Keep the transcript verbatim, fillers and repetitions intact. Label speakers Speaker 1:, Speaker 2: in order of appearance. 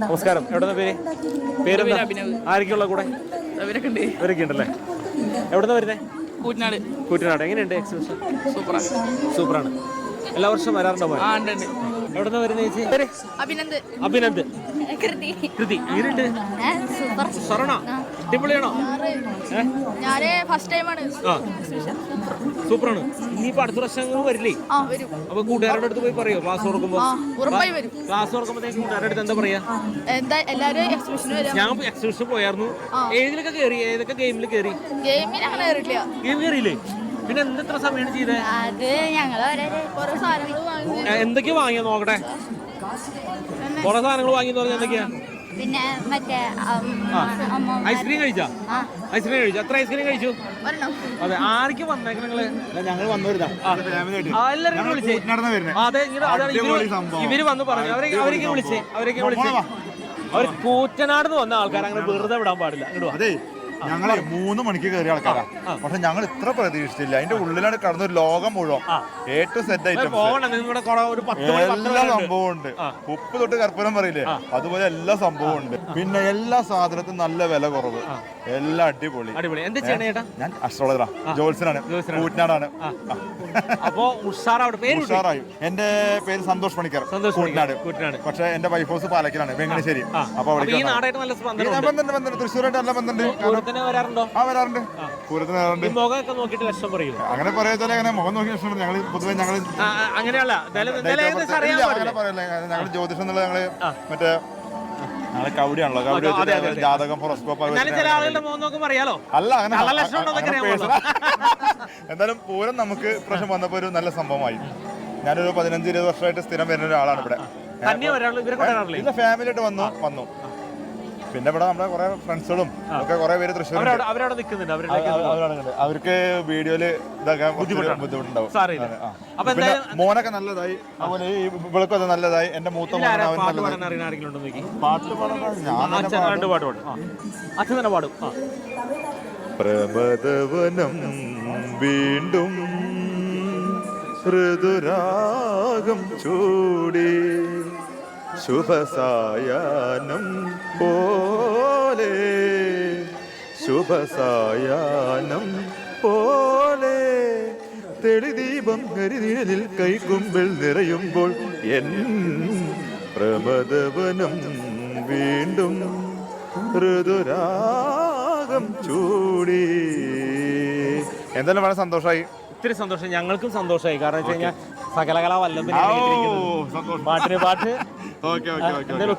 Speaker 1: നമസ്കാരം. എവിടുന്ന പേര്? പേര് ആരൊക്കെയുള്ള കൂടെ? ഇവരൊക്കെ ഉണ്ടല്ലേ. എവിടുന്ന വരുന്നേ?
Speaker 2: കൂറ്റനാട്.
Speaker 1: കൂറ്റനാട്. എങ്ങനെയുണ്ട് എക്സിബിഷൻ?
Speaker 2: സൂപ്പറാണ്.
Speaker 1: സൂപ്പറാണ്. എല്ലാ വർഷവും വരാറുണ്ടോ? എവിടുന്ന വരുന്ന ചേച്ചി? പേര്?
Speaker 2: അഭിനന്ദ്.
Speaker 1: അഭിനന്ദ്. കൃതി. എങ്ങനെയുണ്ട്? സറണ അടിപൊളിയാണോ?
Speaker 2: ഞാന് ഫസ്റ്റ് ടൈമാണ്.
Speaker 1: സൂപ്പറാണ്. ഇനിയിപ്പോ അടുത്ത വർഷങ്ങൾ വരില്ലേ? അപ്പൊ കൂട്ടുകാരുടെ അടുത്ത് പോയി പറയോ ക്ലാസ് തുറക്കുമ്പോ? ക്ലാസ് തുറക്കുമ്പോഴത്തേക്ക് കൂട്ടുകാരുടെ അടുത്ത് എന്താ പറയാ? ഞാൻ എക്സിബിഷൻ പോയായിരുന്നു. ഏതിലൊക്കെ കയറി? ഏതൊക്കെ ഗെയിമിൽ കയറി? ഗെയിം കയറിയില്ലേ? പിന്നെ എന്തെത്ര സമയമാണ് ചെയ്തത്? എന്തൊക്കെയാ വാങ്ങിയ നോക്കട്ടെ. കൊറേ സാധനങ്ങൾ വാങ്ങി പറഞ്ഞ എന്തൊക്കെയാ?
Speaker 3: പിന്നെ മറ്റേ
Speaker 1: ഐസ്ക്രീം കഴിച്ചാ? ഐസ്ക്രീം കഴിച്ചു. എത്ര ഐസ്ക്രീം കഴിച്ചു? അതെ. ആരൊക്കെ വന്നേക്ക് നിങ്ങള്?
Speaker 4: ഞങ്ങൾ വന്നവരുതാ
Speaker 1: എല്ലാരും വിളിച്ചേ. അതെ, ഇവര് വന്ന് പറഞ്ഞു. അവരെ അവരൊക്കെ വിളിച്ചേ. അവരൊക്കെ വിളിച്ചേ. അവർ കൂറ്റനാട് വന്ന ആൾക്കാർ അങ്ങനെ വെറുതെ വിടാൻ പാടില്ല.
Speaker 4: അതെ, ഞങ്ങള് മൂന്ന് മണിക്ക് കയറിയ ആൾക്കാരാ. പക്ഷെ ഞങ്ങൾ ഇത്ര പ്രതീക്ഷിച്ചില്ല. അതിന്റെ ഉള്ളിലാണ് കടന്ന ഒരു ലോകം മുഴുവൻ എ ടു സെറ്റ് ഐറ്റംസ് എല്ലാ സംഭവം ഉണ്ട്. ഉപ്പ് തൊട്ട് കർപ്പൂരം പറയില്ലേ, അതുപോലെ എല്ലാ സംഭവം ഉണ്ട്. പിന്നെ എല്ലാ സാധനത്തിനും നല്ല വില കുറവ്, എല്ലാം അടിപൊളി. ഞാൻ അസ്ട്രോളജറാ, ജോത്സനാണ്, കൂറ്റനാടാണ്.
Speaker 1: അപ്പോ ഉഷാറായി.
Speaker 4: എന്റെ പേര് സന്തോഷ് പണിക്കർ, കൂറ്റനാട്. പക്ഷെ എന്റെ വൈഫ് ഹൗസ് പാലക്കിലാണ്, വെങ്ങണശ്ശേരി. അപ്പൊ അവിടെ തൃശ്ശൂരായിട്ട് നല്ല ബന്ധമുണ്ട്.
Speaker 1: വരാറുണ്ടോ?
Speaker 4: ആ, വരാറുണ്ട്. പൂരത്തിന് വരാറുണ്ട്. അങ്ങനെ പറയാച്ചാൽ അങ്ങനെ മുഖം നോക്കി ലക്ഷണം ഞങ്ങൾ പൊതുവെ ഞങ്ങൾ
Speaker 1: അങ്ങനെയല്ല.
Speaker 4: അങ്ങനെ പറയല്ലേ, ഞങ്ങൾ ജ്യോതിഷം എന്നുള്ള ഞങ്ങള് മറ്റേ ഞങ്ങള് കൗടിയാണല്ലോ, കൗടി ജാതകം ഹൊറോസ്കോപ്പ് അല്ല അങ്ങനെ. എന്തായാലും പൂരം നമുക്ക് പ്രശ്നം വന്നപ്പോ ഒരു നല്ല സംഭവമായി. ഞാനൊരു പതിനഞ്ച് ഇരുപത് വർഷമായിട്ട് സ്ഥിരം വരുന്ന ഒരാളാണ് ഇവിടെ. ഇല്ല, ഫാമിലി ആയിട്ട് വന്നു വന്നു പിന്നെ ഇവിടെ നമ്മുടെ കുറെ ഫ്രണ്ട്സുകളും ഒക്കെ കുറെ പേര് തൃശ്ശൂർ അവർക്ക് വീഡിയോയില് ഇതാക്കാൻ ബുദ്ധിമുട്ടുണ്ടാവും. മോനൊക്കെ നല്ലതായി, അതുപോലെ ഈ ഇവൾക്കും അത് നല്ലതായി. എന്റെ മൂത്ത മോനെ അവൻ നല്ലതായി. പാട്ട്
Speaker 1: പാടും.
Speaker 4: പ്രമദവനം വീണ്ടും ഋതുരാഗം ചൂടി ശുഭസായാനം പോലെ ശുഭസായാനം പോലെ തെളിദീപം കരിനിഴലിൽ കൈക്കുമ്പിൽ നിറയുമ്പോൾ എൻ പ്രമദവനം വീണ്ടും ഋതുരാഗം ചൂടി. എന്തായാലും വളരെ സന്തോഷമായി.
Speaker 1: ഒത്തിരി സന്തോഷം. ഞങ്ങൾക്കും സന്തോഷമായി. കാരണം വെച്ച് കഴിഞ്ഞാൽ സകലകലാ വല്ലഭൻ പാട്ടിന് പാട്ട്.